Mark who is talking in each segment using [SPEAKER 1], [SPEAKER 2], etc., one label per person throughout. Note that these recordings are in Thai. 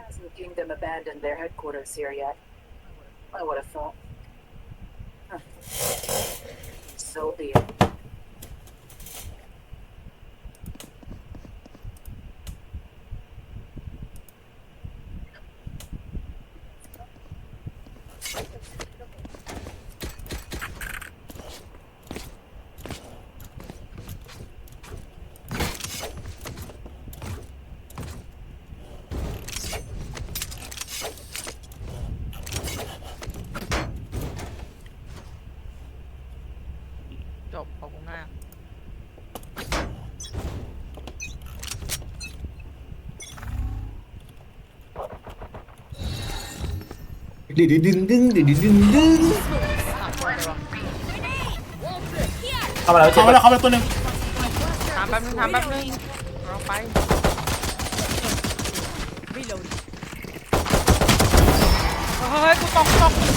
[SPEAKER 1] Hasn't Kingdom abandoned their headquarters here yet? I would have thought. Huh. So be it.
[SPEAKER 2] จบขอบคุณมาก
[SPEAKER 3] ดึงดึงดึงดึงดึงดึงดึงดึง
[SPEAKER 2] สามตัวเลยวะ
[SPEAKER 3] เข้ามาแล้วเจ็บ
[SPEAKER 4] เข้ามาแล้วตัวหนึ่ง
[SPEAKER 2] ถามแป๊บนึงเราไปเฮ้ยกูตก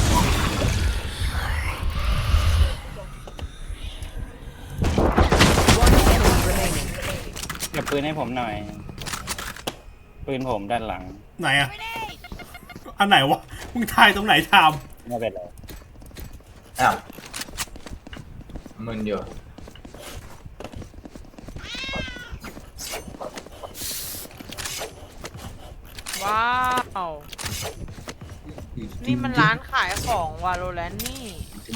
[SPEAKER 5] เก็บปืนให้ผมหน่อย ปืนผมด้านหลัง
[SPEAKER 4] ไหนอะอันไหนวะมึงทายตรงไหนทาม
[SPEAKER 5] ไม่เป็นไร
[SPEAKER 3] อ้าวมึนอยู่
[SPEAKER 2] ว้าวนี่มันร้านขายของวาโลแรนต์นี่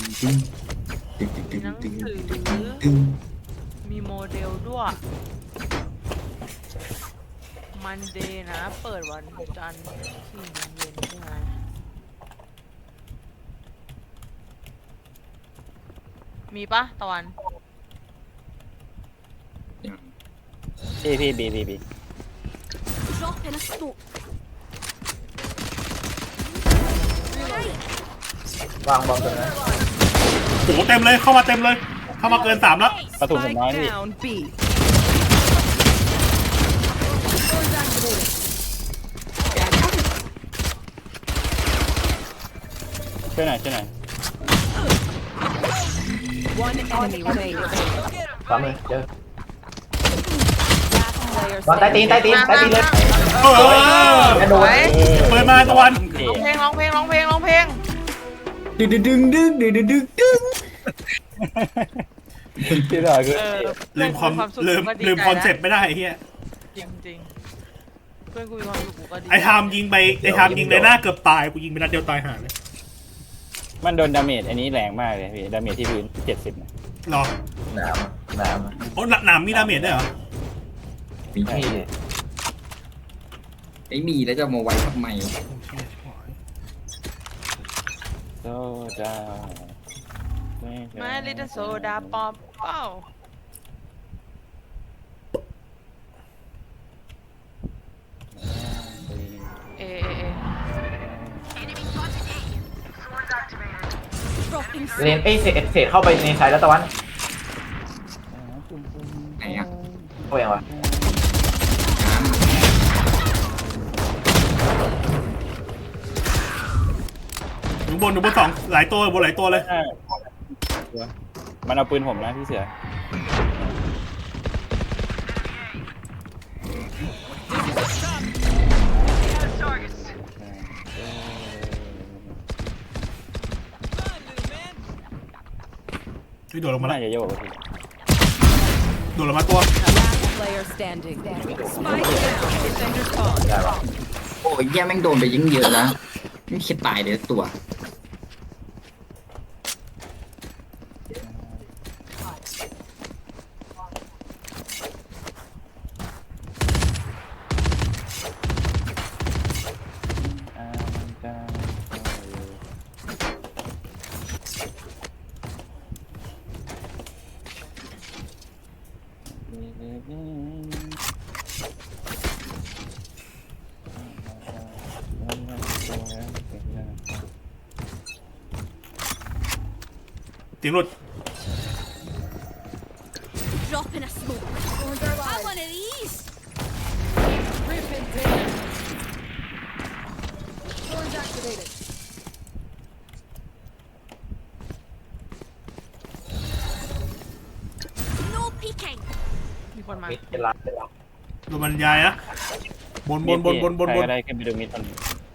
[SPEAKER 2] มีหนังสือมีโมเดลด้วยมันเดย์นะเปิดวันจันทร์4 โมงเย็นใช่ไหมมีปะตะวัน
[SPEAKER 5] พี่บี
[SPEAKER 6] Drop in a smoke.
[SPEAKER 3] วางบอมตรงนั้น
[SPEAKER 4] โอ้โหเต็มเลยเข้ามาเต็มเลยเข้ามาเกิน3แล้ว
[SPEAKER 5] กระสุนผมน้อยพี่
[SPEAKER 6] Down B.
[SPEAKER 5] ช่วยหน่อย
[SPEAKER 6] One enemy remaining.
[SPEAKER 3] ซ้ำเลยเจอ
[SPEAKER 6] Last player
[SPEAKER 3] บอลใต้ตีนใต้ตีนใต้ตีนเลย
[SPEAKER 4] เออ
[SPEAKER 3] กระโดด
[SPEAKER 4] เปิดมาตะวัน
[SPEAKER 2] ร้องเพลง
[SPEAKER 3] ดึงดึงดึงดึงดึงดึงดึงดึง
[SPEAKER 5] พี่ดอยคือ
[SPEAKER 4] ลืมความ
[SPEAKER 2] สุข
[SPEAKER 4] ลืม
[SPEAKER 2] ก็ดี
[SPEAKER 4] ลืม
[SPEAKER 2] ใจ
[SPEAKER 4] คอนเซ็ปต์ไม่ได้ไอ้เฮีย
[SPEAKER 2] จริงเพื่อนกูมีความสุขกูก็ดี
[SPEAKER 4] ไอ้ทามยิงไปไอ้ทามยิงในหน้าเกือบตายกูยิงไปนัดเดียวตายห่าเลย
[SPEAKER 5] มันโดนดาเมจอันนี้แรงมากเลยพี่ ดาเมจที่พื้น70นะ
[SPEAKER 4] หรอ
[SPEAKER 3] หนามหนาม
[SPEAKER 4] โอ้หนามมีดาเมจได้วยเหรอ
[SPEAKER 3] มีที่
[SPEAKER 7] ไม่มีแล้วจะเอามาไว้ทำไม
[SPEAKER 5] โซดา
[SPEAKER 2] ไม่ลิตโซดาปอมเป้าเอ
[SPEAKER 6] dropping
[SPEAKER 3] เลนเศษเข้าไปในไซด์แล้วตะวัน
[SPEAKER 7] ไหนอ่ะ
[SPEAKER 3] เข้ายังวะ
[SPEAKER 4] อยู่บนสองหลายตัวบนหลายตัวเลย
[SPEAKER 5] มันเอาปืนผมนะพี่เสือ
[SPEAKER 4] โดดลงมาแล้ว
[SPEAKER 5] น่าจะโยกพี่
[SPEAKER 4] โดดลงมาตัว
[SPEAKER 6] last player standing. Spike down. Defender spawn.
[SPEAKER 3] ได้ปะ
[SPEAKER 7] โอ้ยแย่แม่งโดนไปยิ่งเยอะแล้วไม่คิดตายเลยตัว
[SPEAKER 4] เสียงหลุด
[SPEAKER 6] Drop in a smoke. Have one of these. No peeking.
[SPEAKER 2] มีคนมา
[SPEAKER 3] มิดเป็นล้านเป็นล้าน
[SPEAKER 4] ดูบรรยายนะบน
[SPEAKER 5] ใครก็ได้ขึ้นไปดูมิดคน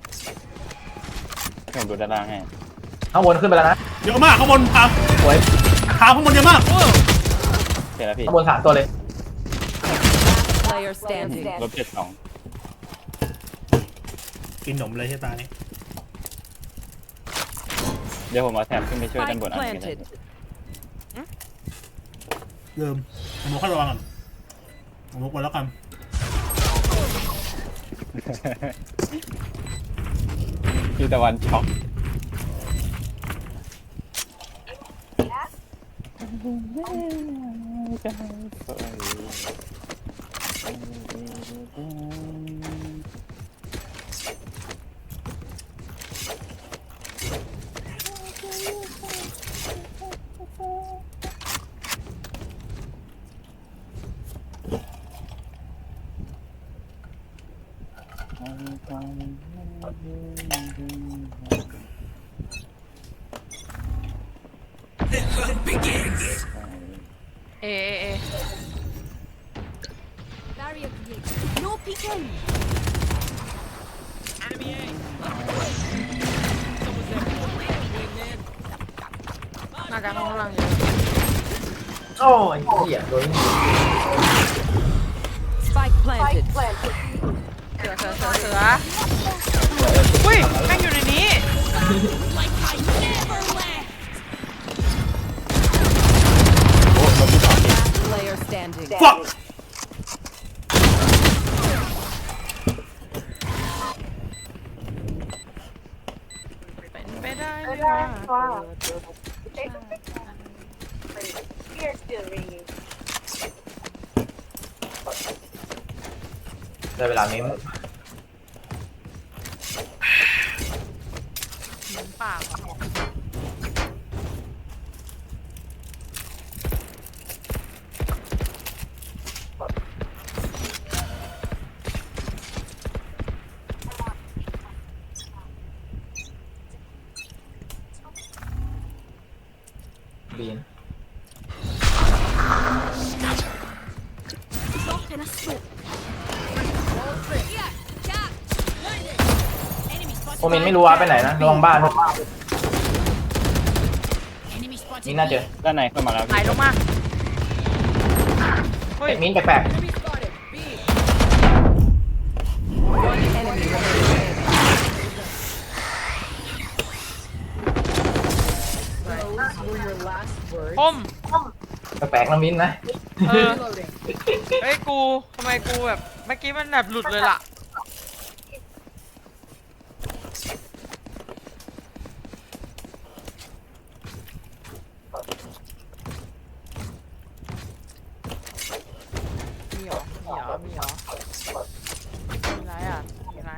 [SPEAKER 5] ผมดูด้านล่างให้
[SPEAKER 3] ข้างบนขึ้นไปแล้วนะ
[SPEAKER 4] เยอะมากข้างบนพา
[SPEAKER 3] สวย
[SPEAKER 4] ข้างบนเยอะมาก
[SPEAKER 5] เสร็จแล้วพี่
[SPEAKER 3] ข้างบน3 ตัวเลย
[SPEAKER 6] Player standing.
[SPEAKER 5] ลบ72
[SPEAKER 4] กินหนมเลยที่ตานี้
[SPEAKER 5] เดี๋ยวผมเอาแถบขึ้นไปช่วยด้าน
[SPEAKER 6] Spike
[SPEAKER 5] บนอันนี้ก็ได้
[SPEAKER 6] planted.
[SPEAKER 4] เริ่มผมมุกให้ระวังก่อนผมมุกไปแล้วกัน
[SPEAKER 5] พี่ตะวันช็อก
[SPEAKER 2] เอ
[SPEAKER 6] Barrier created. No peeking.
[SPEAKER 2] น่าจะข้างล่างเยอะ
[SPEAKER 3] โอ้ยเหี้ยโดน
[SPEAKER 6] Spike planted.
[SPEAKER 2] เสืออุ้ยแม่งอยู่ในนี้
[SPEAKER 6] Player standing.
[SPEAKER 4] ฟัก
[SPEAKER 2] เป็นไปได้ไหมวะ
[SPEAKER 3] ได้เวลาเม้ม
[SPEAKER 2] เหมือนปากอะ
[SPEAKER 3] บีน
[SPEAKER 6] Stop in a smoke.
[SPEAKER 3] โอเมนไม่รู้ว่าไปไหนนะระวังบ้านด้วยนี่น่าเจอ
[SPEAKER 5] ด้านในเข้ามาแล้ว
[SPEAKER 2] ไหล
[SPEAKER 5] พี่
[SPEAKER 2] ลงมาเฮ้ย
[SPEAKER 3] มิ้นแปลก
[SPEAKER 6] One enemy remaining.
[SPEAKER 2] คม
[SPEAKER 3] ๆแปลกๆนะมิ้นนะ
[SPEAKER 2] เออเฮ้ยกูทำไมกูแบบเมื่อกี้มันแบบหลุดเลยล่ะมีเหรอมีไรอ่ะมีไร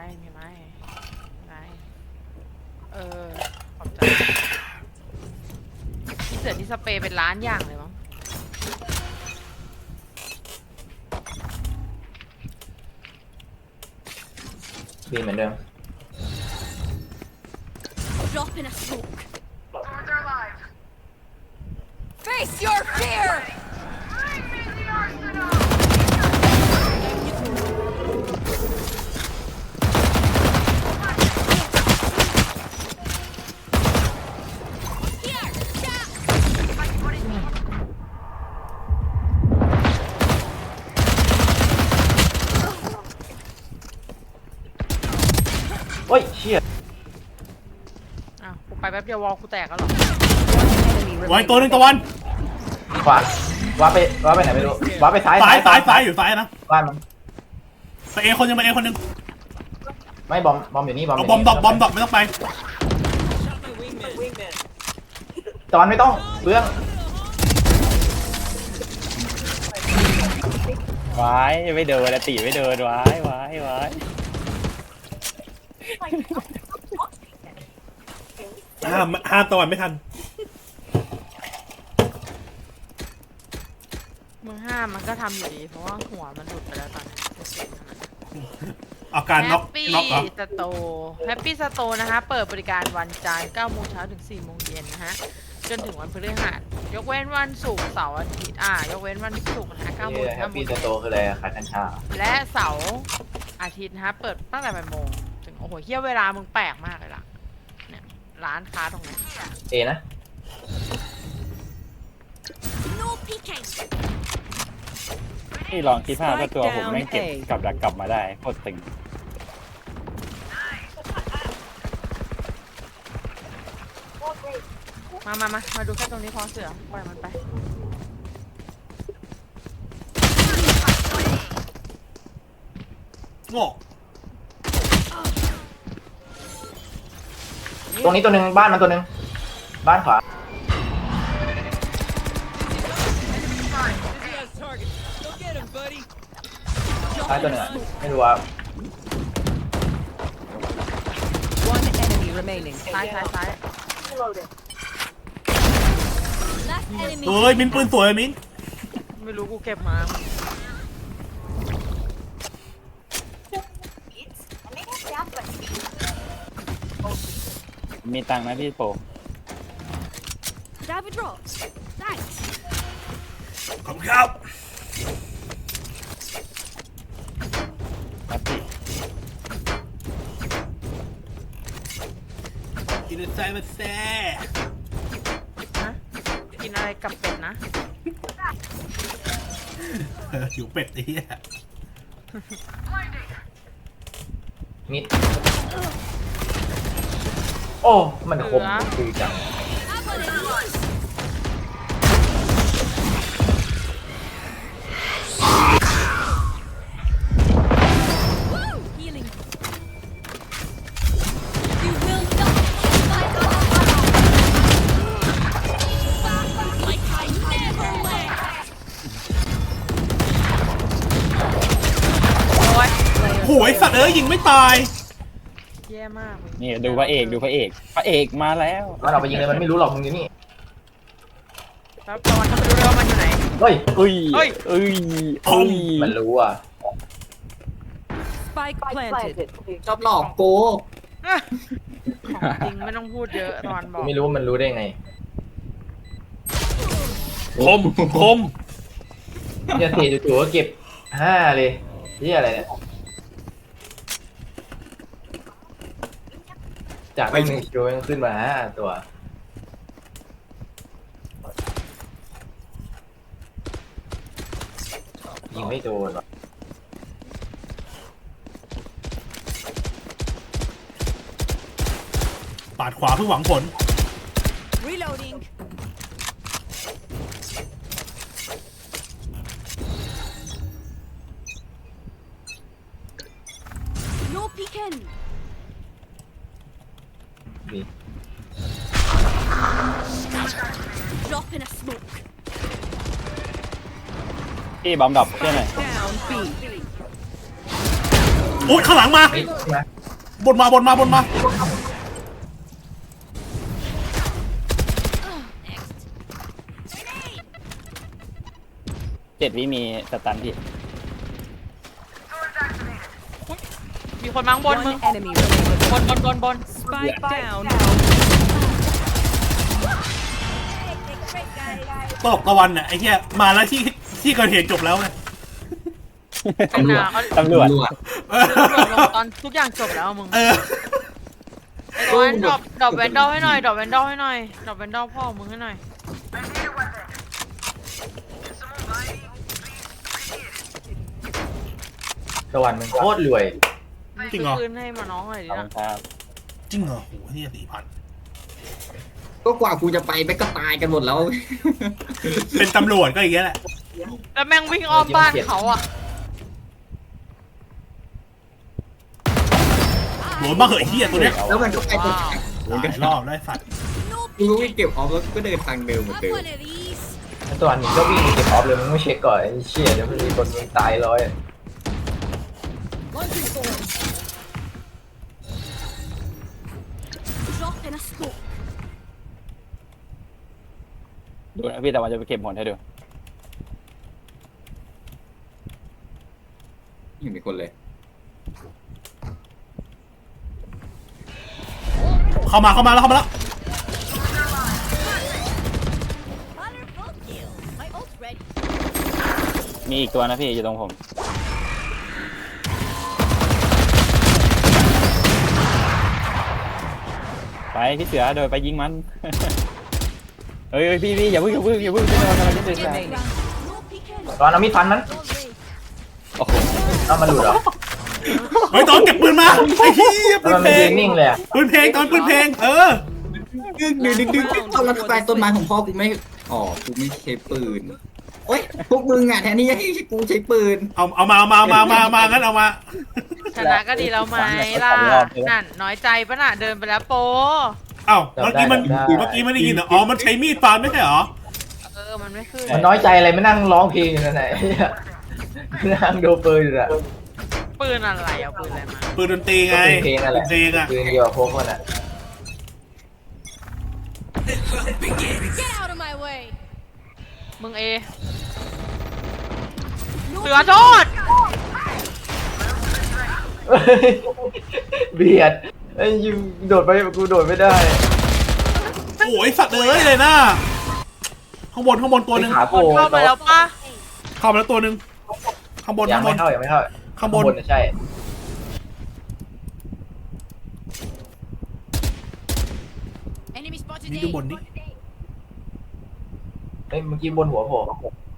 [SPEAKER 2] เออขอบใจที่เสือที่สเปรย์เป็นล้านอย่างเลยมั้ง
[SPEAKER 3] บีนเหมือนเดิม
[SPEAKER 6] Drop in a smoke. Face your fear.
[SPEAKER 3] โอ้ยเชี่ย
[SPEAKER 2] อ้าวกูไปแป๊บเดียววอลกูแตกแล้วหรอ
[SPEAKER 6] Enemy
[SPEAKER 4] ไว้
[SPEAKER 6] remaining.
[SPEAKER 4] ตัวหนึ่งตะวัน
[SPEAKER 3] ขวาว้าไปไหนไม่รู้ว้าไปซ้าย
[SPEAKER 4] ซ้ายอยู่ซ้ายนะ
[SPEAKER 3] บ้านมัน
[SPEAKER 4] ไปเอคนยังไปเอคนหนึ่ง
[SPEAKER 3] ไม่บอมอยู่นี่บอม
[SPEAKER 4] เอาบอมดอกไม่ต้องไป
[SPEAKER 3] ตอนไม่ต้องเรื่อง
[SPEAKER 5] วายไม่เดินละตีไม่เดินวาย
[SPEAKER 4] ห้ามตะวันไม่ทัน
[SPEAKER 2] มึงห้ามมันก็ทำอยู่ดี เพราะว่าหัวมันหลุดไปแล้วตอนนี้
[SPEAKER 4] อาการ
[SPEAKER 2] แฮ
[SPEAKER 4] น็อก
[SPEAKER 2] ปปี้
[SPEAKER 4] น็อกเหรอ
[SPEAKER 2] สโตร์แฮปปี้สโตร์นะคะ เปิดบริการวันจันทร์9 โมงเช้าถึง 4 โมงเย็นนะฮะจนถึงวันพฤหัสยกเว้นวันศุกร์เสาร์อาทิตย์ยกเว้นวันศุกร์นะ9 โมง
[SPEAKER 8] แฮปปี้สโตคืออะไรขายกัญชา
[SPEAKER 2] และเสาร์อาทิตย์นะเปิดตั้งแต่8 โมงถึงโอ้โหเฮียเวลามึงแปลกมากเลยล่ะเนี่ยร้านค้าตรงนี้
[SPEAKER 8] เอนะ
[SPEAKER 5] นี่ลองคิดภาพถ้าตัวผมแม่งเก็บกับดักกลับมาได้โคตรตึง
[SPEAKER 2] มาดูแค่ตรงนี้พอเสือปล่อยมันไป
[SPEAKER 4] โง่
[SPEAKER 8] ตรงนี้ตัวหนึ่งบ้านมันตัวหนึ่งบ้านขวาซ้ายตัวหนึ่งอะไม่รู้ว่า
[SPEAKER 6] One enemy remaining.
[SPEAKER 2] ซ้าย
[SPEAKER 1] Reloading.
[SPEAKER 4] เฮ้ยมิ้นปืนสวยมิ้น
[SPEAKER 2] ไม่รู้กูเก็บมา
[SPEAKER 5] มีตังค์นะพี่โป
[SPEAKER 9] Have a drop. Thanks.
[SPEAKER 4] ขอบคุณครับ
[SPEAKER 5] ครับพี่
[SPEAKER 4] กินใจมาแซ่
[SPEAKER 2] ฮะกินอะไรกับเป็ดนะ
[SPEAKER 4] หิวเป็ดไอ้เหี้ย
[SPEAKER 8] มิดโอ้ มันคมคือจัง
[SPEAKER 9] Healing. You will not fight like I never left.
[SPEAKER 2] โอ้ย
[SPEAKER 4] โหยสัตว์เอ้ยยิงไม่ตาย
[SPEAKER 2] แย่มากมึง
[SPEAKER 5] นี่ดูพระเอกพระเอกมาแล้ว
[SPEAKER 8] มันเอาไปยิงเลยมันไม่รู้หรอกมึงอยู่นี่
[SPEAKER 2] แล้วตอนจะไปดูเลยว่ามันอยู่ไหน
[SPEAKER 8] เฮ้ย
[SPEAKER 2] เฮ้ย
[SPEAKER 8] มันรู้อ่ะ
[SPEAKER 6] Spike
[SPEAKER 1] Spike
[SPEAKER 6] planted.
[SPEAKER 1] planted.
[SPEAKER 7] ชอบหลอกโก
[SPEAKER 2] ของจริงไม่ต้องพูดเยอะตอนบอก
[SPEAKER 8] ไม่รู้ว่ามันรู้ได้ไง
[SPEAKER 4] คมคม
[SPEAKER 8] เนี่ยเทจู่ๆก็เก็บ5เลยนี่อะไรเนี่ยจากไม่1 คิวยังขึ้นมา5 ตัวยิงไม่โดนหรอ
[SPEAKER 4] ปาดขวาเพื่อหวังผล
[SPEAKER 9] Reloading. No peeking.
[SPEAKER 8] ดี
[SPEAKER 9] Drop in a smoke.
[SPEAKER 5] พี่บอมดับเพื่อนหน่อย
[SPEAKER 6] Down B.
[SPEAKER 4] โอ้ยข้างหลังมา
[SPEAKER 8] เฮ้ยใช่ไหม
[SPEAKER 4] บนมา
[SPEAKER 5] 7 วิมีสตันพี่
[SPEAKER 2] มีคนมั้งบน
[SPEAKER 6] One
[SPEAKER 2] มึง
[SPEAKER 6] enemy remaining.
[SPEAKER 2] บน
[SPEAKER 6] Spike down.
[SPEAKER 4] ตกตะวันน่ะไอ้เหี้ยมาแล้วที่เกิดเหตุจบแล้วไง
[SPEAKER 2] ตำรวจ
[SPEAKER 5] ตำรวจ
[SPEAKER 2] ตอนทุกอย่างจบแล้วมึง
[SPEAKER 4] เออ
[SPEAKER 2] ไอ้ตอนดรอปแวนดอลให้หน่อยดรอปแวนดอลให้หน่อยดรอปแวนดอลพ่อมึงให้หน่อย
[SPEAKER 8] ตะวันมันโคตรรวย
[SPEAKER 4] จริงเหรอ
[SPEAKER 2] ซื้อคืนให้มาน้องหน่อยดิ
[SPEAKER 5] ขอบคุ
[SPEAKER 2] นะ
[SPEAKER 5] ณครับ
[SPEAKER 4] จริงเหรอโหเหี้ย4,000
[SPEAKER 7] ก็กว่ากูจะไปแม่งก็ตายกันหมดแล้ว
[SPEAKER 4] เป็นตำรวจก็อย่างเงี้ยแหละ
[SPEAKER 2] แล้วแม่งวิ่งอ้อมบ้านเขาอ่ะ
[SPEAKER 4] โหนบ้าเหยเหี้ยตัวเนี้ย
[SPEAKER 7] แล้วมันก็ไปตรง
[SPEAKER 4] หลายรอบได้สัตว์
[SPEAKER 9] No
[SPEAKER 7] กูก็วิ่งเก็บออฟแล้วก็เดินทางเดิมเหมือน
[SPEAKER 9] Have
[SPEAKER 7] เดิม
[SPEAKER 9] one of these.
[SPEAKER 8] แล้วตัวนี้ก็วิ่งเก็บออฟเลยมึงไม่เช็คก่อนไอ้เชี่ยเดี๋ยวมันมีคนมึงตายร้อย
[SPEAKER 9] Drop in a smoke.
[SPEAKER 5] ดูนะพี่แต่ว่าจะไปเก็บหมดให้ดู
[SPEAKER 7] ยังมีคนเลย
[SPEAKER 4] เข้ามาแล้ว
[SPEAKER 5] มีอีกตัวนะพี่อยู่ตรงผมไปพี่เสือโดยไปยิงมัน เฮ้ยพี่อย่าเพิ่งพี่โดนอะไรที่เสือ
[SPEAKER 6] Remaining.
[SPEAKER 9] No peeking.
[SPEAKER 8] ตอนเอามีดฟันมัน
[SPEAKER 9] All right.
[SPEAKER 5] โอ้โห
[SPEAKER 8] เอามันหลุดเหรอ
[SPEAKER 4] เฮ้ยตอนเก็บปืนมาไอ้เหี้ยปื
[SPEAKER 8] แล้ว
[SPEAKER 4] น
[SPEAKER 8] มัน
[SPEAKER 4] เพล
[SPEAKER 8] ยื
[SPEAKER 4] ง
[SPEAKER 8] นนิ่งเลยอะ
[SPEAKER 4] ปืนเพลงตอนปืนเพลง
[SPEAKER 7] ดึงเอาแล้วทำไมต้นไม้ของพ่อกูไม่อ๋อกูไม่ใช้ปืนโอ๊ยพวกมึงอ่ะแทนที่จะให้กูใช้ปืน
[SPEAKER 4] เอามางั้นเอามา
[SPEAKER 2] ชนะก็ดีแล้วไหมล่ะนั่นน้อยใจปะน่ะเดินไปแล้วโป
[SPEAKER 4] เอ้าเมื่อกี้ไม่ได้ยินเหรออ๋อมันใช้มีดฟันไม่ใช่เหรอ
[SPEAKER 2] มันไม่ขึ้น
[SPEAKER 8] มันน้อยใจอะไรไม่นั่งร้องเพลงอยู่นั่นไหนเหี้ยนั่งดูปืนอยู่อะ
[SPEAKER 2] ปืนอะไรเอาปืนอะไรมา
[SPEAKER 4] ปืนดนตรีไง
[SPEAKER 8] เพลงนั่นแหละ
[SPEAKER 4] เพลงอะ
[SPEAKER 8] ปืนเดียวกับพวกมันอะ
[SPEAKER 9] Get out of my way.
[SPEAKER 2] มึงเอ
[SPEAKER 9] No
[SPEAKER 2] เสือโทษ
[SPEAKER 8] เบียดไอ้ยิงโดดไปกูโดดไม่ได้
[SPEAKER 4] โอ้ยสัตว์เลยนะข้างบนตัวหนึ่ง
[SPEAKER 8] ขา
[SPEAKER 2] ค
[SPEAKER 8] โก
[SPEAKER 2] นเข้ามาแล้วปะ
[SPEAKER 4] เข้ามาแล้วตัวหนึ่งข้างบน
[SPEAKER 8] ยังไม่เข้า
[SPEAKER 4] ข้างบน
[SPEAKER 8] น่ะใช่
[SPEAKER 9] enemy spotted.
[SPEAKER 4] นี่
[SPEAKER 9] A.
[SPEAKER 4] ดูบนนี่
[SPEAKER 8] เฮ้ยเมื่อกี้บนหัวโผล่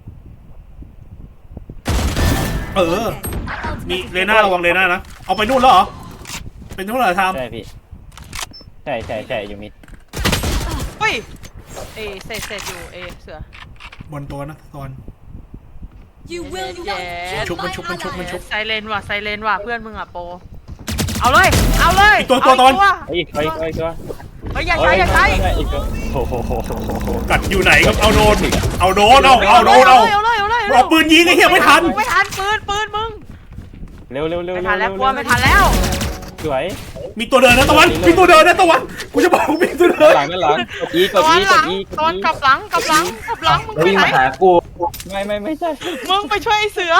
[SPEAKER 4] มีเลน่าระวังเลน่านะเอาไปนู่นแล้วเหรอเป็นนู่นเหรอทาม
[SPEAKER 5] ใช่พี่ใช่อยู่มิด
[SPEAKER 2] เฮ้ยเอเสร็จอยู่เอเสือบ
[SPEAKER 4] นตัวนะตอน
[SPEAKER 9] You will not
[SPEAKER 2] Yeah.
[SPEAKER 9] kill my
[SPEAKER 4] ชุบ
[SPEAKER 9] ally.
[SPEAKER 2] ไซเลนว่ะเพื่อนมึงอ่ะโปเอาเลย
[SPEAKER 4] ตัว
[SPEAKER 2] เอา
[SPEAKER 4] ตอน
[SPEAKER 5] อีกตัว
[SPEAKER 2] เฮ้ยอย่าใช้
[SPEAKER 5] อีกตัวโอ้โห
[SPEAKER 4] กัดอยู่ไหนก็เอาโดนเอา
[SPEAKER 2] เอาเลย
[SPEAKER 4] เอาปืนยิงไอ้เหี้ยไม่ทัน
[SPEAKER 2] ไม่ทันปืนมึง
[SPEAKER 5] เร็ว
[SPEAKER 2] ไม่ทันแล้วกลัวไม่ทันแล้ว
[SPEAKER 5] สวย
[SPEAKER 4] มีตัวเดินนะตะวันมีตัวเดินนะตะวันกูจะบอกว่ามีตัวเดิน
[SPEAKER 5] หลังกดอี
[SPEAKER 2] ตอนหลังตอนกลับหลังมึง
[SPEAKER 8] แล้ว
[SPEAKER 2] ไป
[SPEAKER 8] วิ่ง
[SPEAKER 2] ไหน
[SPEAKER 8] มาหากู
[SPEAKER 5] ไม่ใช่
[SPEAKER 2] มึงไปช่วยไอ้เสือ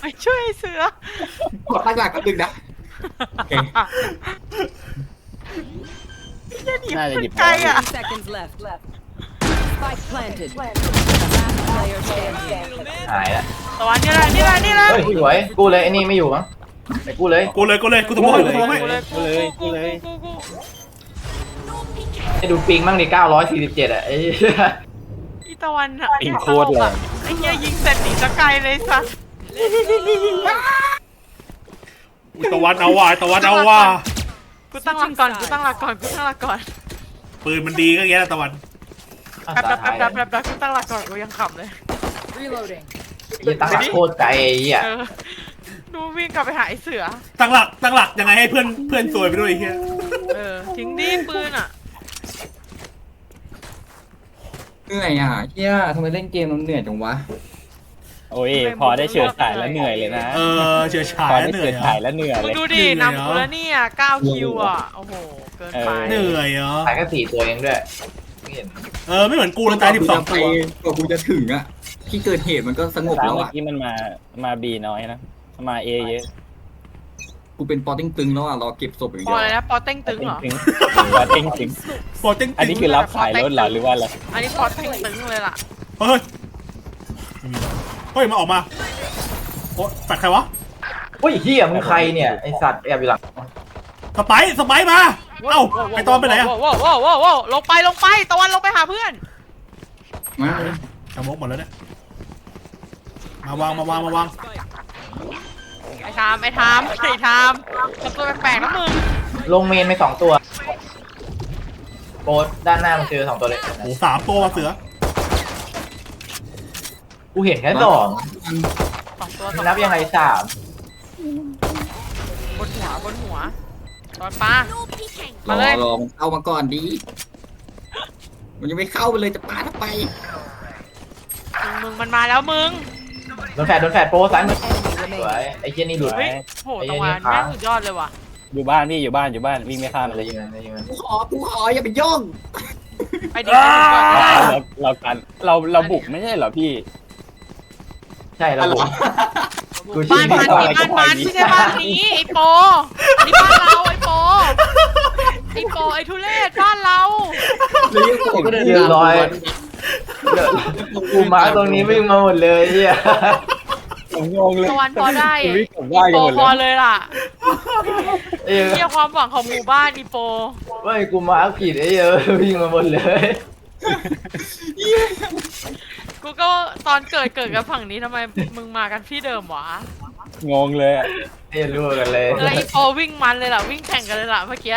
[SPEAKER 7] กดตั้งหลักก็ดึงนะ
[SPEAKER 5] น่าจะหยิบ
[SPEAKER 2] ไกลอ่ะ
[SPEAKER 6] 10 seconds left. Spike planted. Last player standing.
[SPEAKER 8] หายละ
[SPEAKER 2] ตะวันนี่แหละ
[SPEAKER 8] เฮ้ยสวยกูเลยไอ้นี่ไม่อยู่มั้งไปกูเลย
[SPEAKER 4] กูเลยกูตัวโม่เลย
[SPEAKER 9] No peeking.
[SPEAKER 8] ให้ดูปิงมั่งดิ947อะไอ้
[SPEAKER 2] อีตะวันอ่ะ
[SPEAKER 5] ปิงโคตรแรง
[SPEAKER 2] ไอ้เหี้ยยิงเสร็จหนีสกายเลยซะ
[SPEAKER 4] ตะวันเอาว่ะ
[SPEAKER 2] กูตั้งหลักก่อน
[SPEAKER 4] ปืนมันดีก็แย่แล้วตะวัน
[SPEAKER 2] แป๊บกูตั้งหลักก่อนกูยังขำเลย
[SPEAKER 6] Reloading.
[SPEAKER 8] ยี่ตั้งหลักโคตรไกลไอ้เหี้ย
[SPEAKER 2] ดูวิ่งกลับไปหาไอ้เสือ
[SPEAKER 4] ตั้งหลักยังไงให้เพื่อนซวยไปด้วยไอ้เหี้ย
[SPEAKER 2] ทิ้งดิปืนอ่ะ
[SPEAKER 7] เหนื่อยอ่ะเฮียทำไมเล่นเกมเราเหนื่อยจังวะ
[SPEAKER 5] โอ้ยพอได้เฉิดฉายแล้วเหนื่อยเลยนะ
[SPEAKER 4] เฉื่อยฉา
[SPEAKER 5] พอย ได้
[SPEAKER 4] เหนื่
[SPEAKER 5] เฉิ
[SPEAKER 4] อย
[SPEAKER 5] ดฉายแล้วเหนื่อย
[SPEAKER 2] มึ
[SPEAKER 5] เล
[SPEAKER 2] ง
[SPEAKER 5] ย
[SPEAKER 2] ดูดินำกูแล้วเนี่ย9คิวอ่ะ โอ้โห เกินไป
[SPEAKER 4] เหนื่อยเหรอ
[SPEAKER 8] หายแค่4ตัวเองด้วยไม่เห็น
[SPEAKER 4] ไม่เหมือนกูเลยตาย12ตัว
[SPEAKER 7] กว่ากูจะถึงอ่ะที่เกิดเหตุมันก็สงบ
[SPEAKER 5] สาม
[SPEAKER 7] แล้ว
[SPEAKER 5] เมื่อ
[SPEAKER 7] อ่ะ
[SPEAKER 5] กี้มันมาบีน้อยนะมาเอเยอะ
[SPEAKER 7] กูเป็นปอติ้งตึงแล้วอ่ะรอเก็บศพอย่าง
[SPEAKER 2] พ
[SPEAKER 7] เดี
[SPEAKER 2] อ
[SPEAKER 7] ยว
[SPEAKER 2] เลยนะปอเต็งตึงเหรอ
[SPEAKER 5] ว่าเต็งถึง
[SPEAKER 4] โปรเต็ง
[SPEAKER 5] อันนี้คือรับขายรถเหรอหรือว่าอะไร
[SPEAKER 2] อันนี้ปอเต็งตึงเลยล่ะ
[SPEAKER 4] เฮ้ยมาออกมาโอ้แฟดใครวะ
[SPEAKER 8] อุ้ยเหี้ยมึงใครเนี่ยไอสัตว์แอบอยู่หลัง
[SPEAKER 4] สไปร์มาเอ้าไอตอนไปไหนอะ
[SPEAKER 2] ว้าวลงไปตะวันลงไปหาเพื่อน
[SPEAKER 7] มา
[SPEAKER 4] สมกหมดแล้วเนี่ยมาวาง
[SPEAKER 2] ไอ้ทามทำตัวแปลกๆนะมึง
[SPEAKER 8] ลงเมนไป2ตัวโปรด้านหน้ามึงเจอ2ตัวเลย
[SPEAKER 4] โอ้3ตัวเสือ
[SPEAKER 8] กูเห็นแค่2
[SPEAKER 2] 2 ตัว
[SPEAKER 8] มึงนับยังไง3
[SPEAKER 2] บนหัวตอนปลา
[SPEAKER 9] No peeking.
[SPEAKER 7] รอมันเข้ามาก่อนดีมันยังไม่เข้าไปเลยจะปาถ้าไป
[SPEAKER 2] มึงมันมาแล้วมึง
[SPEAKER 8] โดนแฟดโปรซ้ายมือสวยไอ้เจนี่หลุด
[SPEAKER 2] เฮ้ยโหตะวันแม่งสุดยอดเลยว่ะ
[SPEAKER 5] อยู่บ้านพี่อยู่บ้านวิ่งไม่ข้าม
[SPEAKER 8] อะไร
[SPEAKER 5] เลย
[SPEAKER 8] ยิงมันยิงมัน
[SPEAKER 7] กูขออย่าไปย่อง
[SPEAKER 2] ไปดิก่อนก็ได้
[SPEAKER 5] เราบุกไม่ใช่เหรอพี่
[SPEAKER 8] ใช่เราบุกกูชี้
[SPEAKER 2] บ้านมัน
[SPEAKER 8] อะไรก็
[SPEAKER 2] บ้าน
[SPEAKER 8] ไป
[SPEAKER 2] มันไม่ใช่บ้านนี้ไอ้โปนี่บ้านเราไอ้โปไอ้ทุเรศบ้านเรา
[SPEAKER 8] เรียบร้อยกูมาตรงนี้วิ่งมาหมดเลยเฮีย
[SPEAKER 5] ผมงงเลย
[SPEAKER 2] ตะวันพอได้
[SPEAKER 5] ชีวิตผม
[SPEAKER 2] อี
[SPEAKER 5] ได้กัน
[SPEAKER 2] โป
[SPEAKER 5] หมด
[SPEAKER 2] พอ
[SPEAKER 5] เลย
[SPEAKER 2] เลยล่ะ
[SPEAKER 8] เอ้ย
[SPEAKER 2] เฮียความหวังของหมู่บ้านอีโป
[SPEAKER 8] ไม่กูมาอัพผิดไอ้เยอะวิ่งมาหมดเลย
[SPEAKER 2] กูก็ตอนเกิดกับฝั่งนี้ทำไมมึงมากันที่เดิมวะ
[SPEAKER 5] งงเลยอะ
[SPEAKER 8] ไอ้รู้กันเลย
[SPEAKER 2] แล้วอีโปวิ่งมันเลยล่ะวิ่งแข่งกันเลยล่ะเมื่อกี้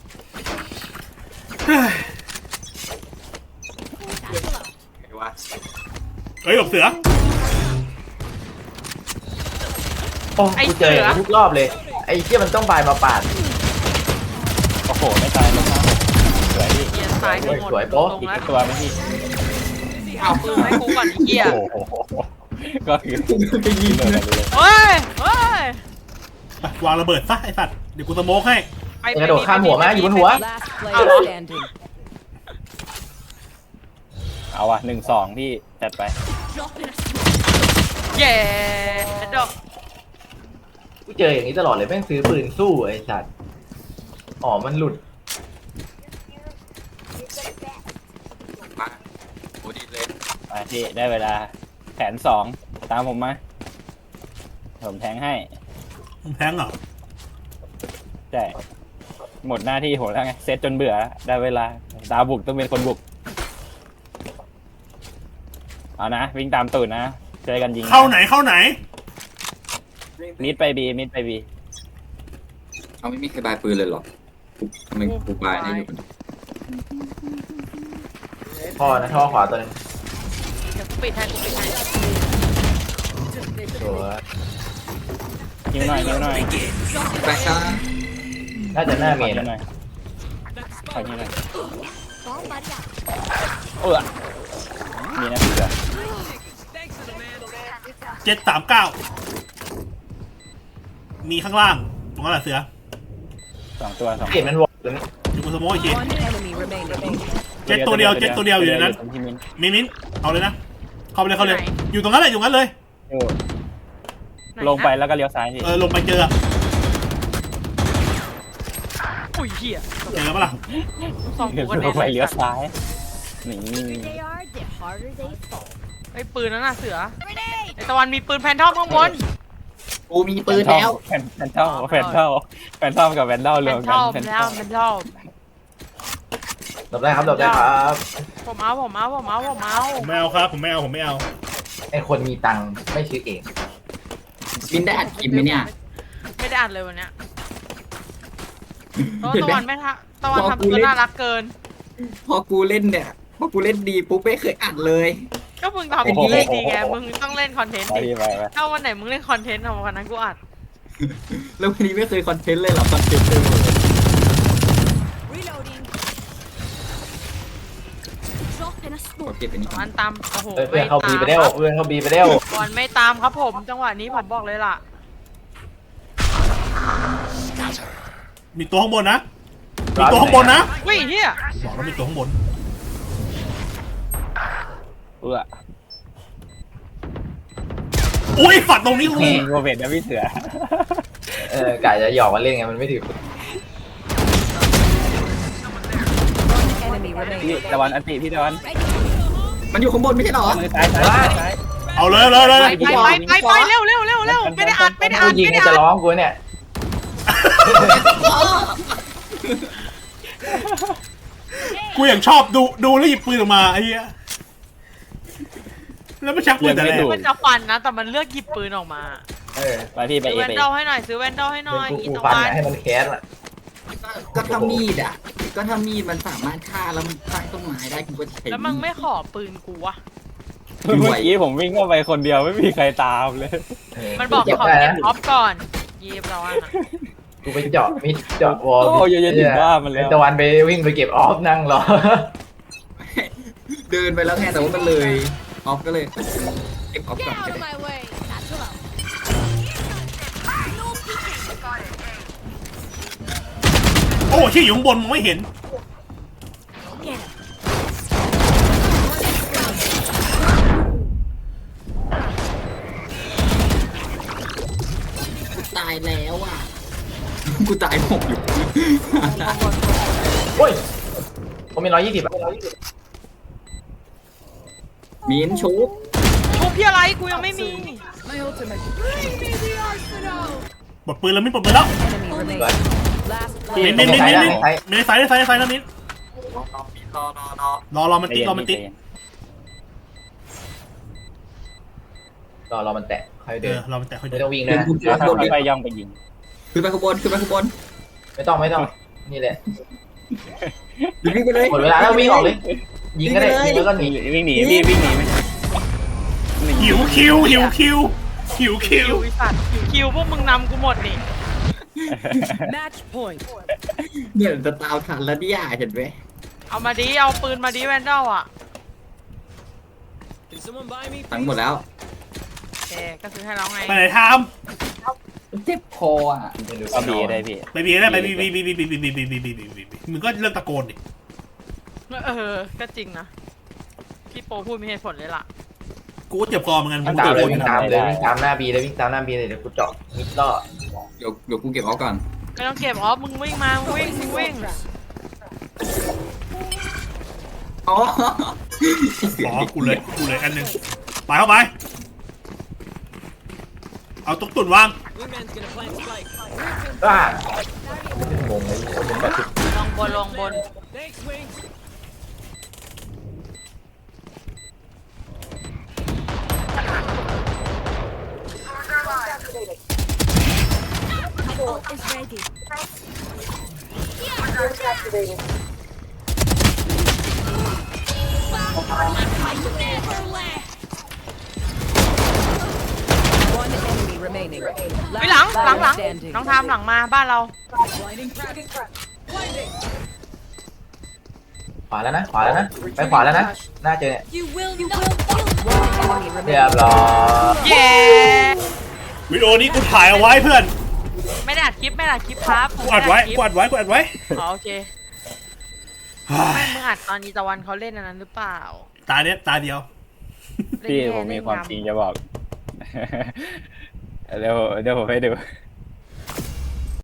[SPEAKER 7] ไงวะ
[SPEAKER 4] เฮ้ยหลบเสือ
[SPEAKER 8] โอ้กูเจออย่างนี้ทุกรอบเลย ไอ้เชี่ยมันต้องบายมาปาด
[SPEAKER 5] โอ้โหไม่ตายไม่ตายสวยดิ
[SPEAKER 2] เฮียตายกันหมด
[SPEAKER 8] สวยโป๊ะ
[SPEAKER 2] ลง
[SPEAKER 5] อีก
[SPEAKER 2] แล้ว
[SPEAKER 5] ตัวไหมพี่
[SPEAKER 2] เอาปืนให้กูก่อนไอ้เฮีย
[SPEAKER 5] โอ้โหก็คือ
[SPEAKER 7] ไปยิง
[SPEAKER 5] เดิน
[SPEAKER 7] นะ
[SPEAKER 5] กันเลย
[SPEAKER 2] เฮ้ยเฮ้ย
[SPEAKER 4] ไปวางระเบิดซะไอ้สัตว์เดี๋ยวกูสโมกให้
[SPEAKER 2] ไป
[SPEAKER 8] กระโดดข้ามหัวมาอยู่บนหัว
[SPEAKER 6] Last player standing.
[SPEAKER 5] เอาว่ะ1-2พี่จัดไป
[SPEAKER 2] เย้ดอก
[SPEAKER 8] กูเจออย่างนี้ตลอดเลยแม่งซื้อปืนสู้ไอ้สัตว์อ๋อมันหลุด
[SPEAKER 7] มาโอ้ดีเลย
[SPEAKER 5] ไปพี่ได้เวลาแผน2ตามผมมาผมแทงให้
[SPEAKER 4] มึงแทงเหรอ
[SPEAKER 5] ใช่หมดหน้าที่ผมแล้วไงเซตจนเบื่อแล้วได้เวลาดาวบุกต้องเป็นคนบุกเอานะวิ่งตามตูดนะเจอกันยิง
[SPEAKER 4] เข้าไหนเข้าไหน
[SPEAKER 5] มิดไปบีมิดไปบี
[SPEAKER 7] เขาไม่มีใครบายปืนเลยเหรอทำไมกูบายได้อยู่คนเดียว
[SPEAKER 8] ท่อนะท่อขวาตัวนึง
[SPEAKER 2] เดี๋ยวกูปิดให้กูปิดให้
[SPEAKER 8] ตัว
[SPEAKER 5] ยิงหน่อยยิงหน่อย
[SPEAKER 7] ไปครับ
[SPEAKER 8] น่าจะหน้าเม
[SPEAKER 5] ขอน ยิงหน่อยขอยิงหน่อยมีนะพี่เสือ
[SPEAKER 4] 739มีข้างล่างตรงนั้นแหละเสือ
[SPEAKER 5] 2 ตัว
[SPEAKER 8] เห็นมันวอลตัวนี้
[SPEAKER 4] เดี๋ยวกูสโมกอีกที
[SPEAKER 6] One enemy remaining.
[SPEAKER 4] เจ็ดตัวเดียวอยู่ในนั้น
[SPEAKER 5] พี่มิ้น
[SPEAKER 4] มิ้นเอาเลยนะเข้าไปเลยเข้าเลย อยู่ตรงนั้นแหละอยู่งั้นเลย
[SPEAKER 5] โอ้ลงไปแล้วก็เลี้ยวซ้ายพี่
[SPEAKER 4] ลงไปเจอ
[SPEAKER 2] อุ้ยเหี้ย
[SPEAKER 4] เจอปะล่ะ
[SPEAKER 2] สอง
[SPEAKER 5] เลี้
[SPEAKER 2] กู
[SPEAKER 5] ยว
[SPEAKER 2] กันแน่
[SPEAKER 5] ไปเลี้ยวซ้ายนี่
[SPEAKER 9] They are, the harder they fall.
[SPEAKER 2] ไอ้ปืนนั่นน่ะเสือไอ้ตะวันมีปืนแพนทอมข้างบน
[SPEAKER 7] กูมีปืนแล้ว
[SPEAKER 5] แฟนทอมกับแวนดอล
[SPEAKER 2] แพ
[SPEAKER 5] รวน ม
[SPEAKER 2] ท
[SPEAKER 5] กัน
[SPEAKER 2] อม
[SPEAKER 5] แฟนท
[SPEAKER 2] แล้ว
[SPEAKER 5] อม
[SPEAKER 2] แพนทอม
[SPEAKER 8] หลบได้ครับหลบได้ครับ
[SPEAKER 2] ผมเอา
[SPEAKER 4] ผมไม่เอาครับผมไม่เอา
[SPEAKER 8] ไอ้คนมีตังค์ไม่ซื้อเอง
[SPEAKER 7] บินได้อัดคลิปไหมเนี่ย
[SPEAKER 2] ไม่ได้อ่านเลยวันเนี้ย
[SPEAKER 7] เห็น
[SPEAKER 2] ตะ
[SPEAKER 7] ไหม
[SPEAKER 2] วันไม่ทะตะวันทำตัวน่ารักเกิน
[SPEAKER 7] พอกูเล่นดีปุ๊บไม่เคยอัดเลย
[SPEAKER 2] ก็มึงทำดีดีไง มึงต้องเล่นคอนเทนต์
[SPEAKER 5] ไป
[SPEAKER 2] ดิ
[SPEAKER 5] พี่ไป
[SPEAKER 2] ถ้าวันไหนมึงเล่นคอนเทนต์เอาวันนั้นกูอัด
[SPEAKER 7] แล้ววันนี้ไม่เคยคอนเทนต์เลยเหรอคอนเทนต์เลย
[SPEAKER 9] Reloading. Drop in a
[SPEAKER 7] ขอ
[SPEAKER 9] smoke.
[SPEAKER 7] เก็บอันนี้ก่อ
[SPEAKER 2] วัน นตามโอ้โห
[SPEAKER 8] เพื่อนเข้าบีไปเด้วเพื่อนเข้าบีไปเด้ว
[SPEAKER 2] บอลไม่ตามครับผม จังหวะนี้ผมบอกเลยล่ะ
[SPEAKER 4] มีตัวข้างบนนะมีตัวข้างบนนะ
[SPEAKER 2] วิ่งเฮีย
[SPEAKER 4] บอกแล้วมีตัวข้างบน อุ้ยฝัดตรงนี้กู
[SPEAKER 5] โรเบิร์ตนะพี่เสือก
[SPEAKER 8] ะจะหยอกมาเล่นไงมันไม่ถือ
[SPEAKER 6] One enemy
[SPEAKER 5] พี่
[SPEAKER 6] remaining.
[SPEAKER 5] ตะวันอันติพี่ตะวัน
[SPEAKER 7] มันอยู่ข้างบนไม่ใช่เหรอ
[SPEAKER 5] มือซ้ายซ้าย
[SPEAKER 4] เอาเลย
[SPEAKER 2] ไปเร็วไม่ได้อัด
[SPEAKER 8] กูยิงจะร้องกูเนี่ย
[SPEAKER 4] กูอย่างชอบดูแล้วหยิบปืนออกมาไอ้เหี้ยแล้วไม่ชักปืนแต่แรก
[SPEAKER 2] มันจะฟันนะ แต่มันเลือกหยิบปืนออกมา
[SPEAKER 5] ไปพี่ไป
[SPEAKER 2] ซื้อ
[SPEAKER 5] เอ
[SPEAKER 2] แวน
[SPEAKER 5] ไป
[SPEAKER 2] ดอลให้หน่อยซื้อแวนดอลให้หน่อย
[SPEAKER 8] กู
[SPEAKER 2] อีตะ
[SPEAKER 8] ฟัน
[SPEAKER 2] วัน
[SPEAKER 8] ให้มันแคสอะ
[SPEAKER 7] ก็ถ้ามีดอ่ะ ก็ถ้ามีดมันสามารถฆ่าแล้วมันตั้งต้นไม้ได้กูก็ใช้
[SPEAKER 2] แล้วมึงไม่ขอปืนกูวะ
[SPEAKER 5] เมื่อกี้ผมวิ่งเข้าไปคนเดียวไม่มีใครตามเลย
[SPEAKER 2] มันบอกขอ
[SPEAKER 8] ได้
[SPEAKER 2] เก็บ
[SPEAKER 8] นะ
[SPEAKER 2] ออฟก่อนยีบเราอ่ะ
[SPEAKER 8] กูไปเจาะมิดเจาะวอล
[SPEAKER 5] โอ้ยเย็นๆถึงบ้านมันแล้ว
[SPEAKER 8] ตะวันไปวิ่งไปเก็บออฟนั่งรอ
[SPEAKER 7] เดินไปแล้วไงแต่ว่ามันเลยออฟก็เลยเก็บออฟ
[SPEAKER 9] Get
[SPEAKER 7] ก่อนก็
[SPEAKER 9] out of
[SPEAKER 7] ได้
[SPEAKER 9] my way. That's allowed. No peeking.
[SPEAKER 4] โอ้ที่อยู่ข้างบนมึงไม่เห็น
[SPEAKER 9] Get him.
[SPEAKER 7] กูตายแล้วอ่ะ กูตายหกอยู่
[SPEAKER 8] โอ้ยผมมี120อะ
[SPEAKER 7] มีนชุบ
[SPEAKER 2] ทุบพี่อะไรกูยังไม่มี
[SPEAKER 6] My ultimate.
[SPEAKER 4] ปลดปืนแล้วมิ้นปลดปืนแล้ว
[SPEAKER 6] Enemy remaining. Last
[SPEAKER 4] มิ้น
[SPEAKER 6] player.
[SPEAKER 4] มิ้นมิ้นมิ้นมิ้นในไฟในไฟในไฟแล้วมิ้น
[SPEAKER 7] รอ
[SPEAKER 4] รอมันติ๊กรอมันติ๊ก
[SPEAKER 8] รอมันแตะค่อย
[SPEAKER 4] เอ
[SPEAKER 8] เดิน
[SPEAKER 4] อรอมันแตะค่อย
[SPEAKER 8] ไม่
[SPEAKER 4] เดิน
[SPEAKER 8] ต้องวิ่งนะ
[SPEAKER 5] ค่อยๆย่องไปยิง
[SPEAKER 7] ขึ้นไปข้างบนขึ้นไปข้างบน
[SPEAKER 8] ไม่ต้องนี่แหละ
[SPEAKER 7] วิ่งไปเลย
[SPEAKER 8] หมดเวลาแล้ววิ่งออกเลยยิงก็ได้ยิงแล้วก็หนี
[SPEAKER 5] วิ่งหนีพี่วิ่งหนีไหม
[SPEAKER 4] หิวคิวหิวคิวหิวคิ
[SPEAKER 2] คิ
[SPEAKER 4] ว
[SPEAKER 2] วไอ้สัตว์คิวพวกมึงนำกูหมดนี่
[SPEAKER 6] Match point.
[SPEAKER 7] เนี่ยจะตามทันแล้วเนี่ยเห็นไหม
[SPEAKER 2] เอามาดิเอาปืนมาดิแวนดอลอ่ะ
[SPEAKER 7] ทั้งหมดแล้ว
[SPEAKER 2] โอเคก็ซื้อให้เราไง
[SPEAKER 4] ไปไหนท
[SPEAKER 7] เจ็บคออ่ะ
[SPEAKER 5] ก็บีได้พี่
[SPEAKER 4] ำไปบีได้ไปบีมึงก็เลิกตะโกนดิ
[SPEAKER 2] ก็จริงนะพี่โปพูดมีเหตุผลเลยล่ะ
[SPEAKER 4] กูก็เจ็บคอเหมือนกัน
[SPEAKER 8] วิ่งตามเลยวิ่งตามเลยวิ่งตามหน้าบีเลยวิ่งตามหน้าบีเลยเดี๋ยวกูเจาะมิดล่อ
[SPEAKER 7] เดี๋ยวกูเก็บเอาก่อน
[SPEAKER 2] ไม่ต้องเก็บออฟมึงวิ่งมามึงวิ่ง
[SPEAKER 7] อ๋อ
[SPEAKER 4] อ๋อกูเลยอันหนึ่งไปเข้าไปเอาตุ๊กตุ่นวาง
[SPEAKER 8] อ่างงเลยคนเป็นแบบ
[SPEAKER 2] ลงบน
[SPEAKER 9] Ult is ready. Never left.
[SPEAKER 6] One enemy remaining.
[SPEAKER 2] เฮ้ยหลัง
[SPEAKER 6] player standing.
[SPEAKER 2] น้องทามหลังมาบ้านเรา
[SPEAKER 8] ขวาแล้วนะไปขวาแล้วนะน่าเจอเนี่ย
[SPEAKER 9] You will not kill.
[SPEAKER 6] One enemy
[SPEAKER 8] เรีย
[SPEAKER 6] remaining.
[SPEAKER 8] บร้อย
[SPEAKER 2] เย้
[SPEAKER 4] วิดีโอนี้กูถ่ายเอาไว้เพื่อน
[SPEAKER 2] ไม่ได้อัดคลิปครับ
[SPEAKER 4] กูอัดไว้กูอัดไว้
[SPEAKER 2] อ๋อโอเคไม่มึงอัดตอนนี้ตะวันเขาเล่นอันนั้นหรือเปล่า
[SPEAKER 4] ตาเนี้ยตาเดียว
[SPEAKER 5] พี่ผมมีความจริงจะบอก เดี๋ยวผมให้ดู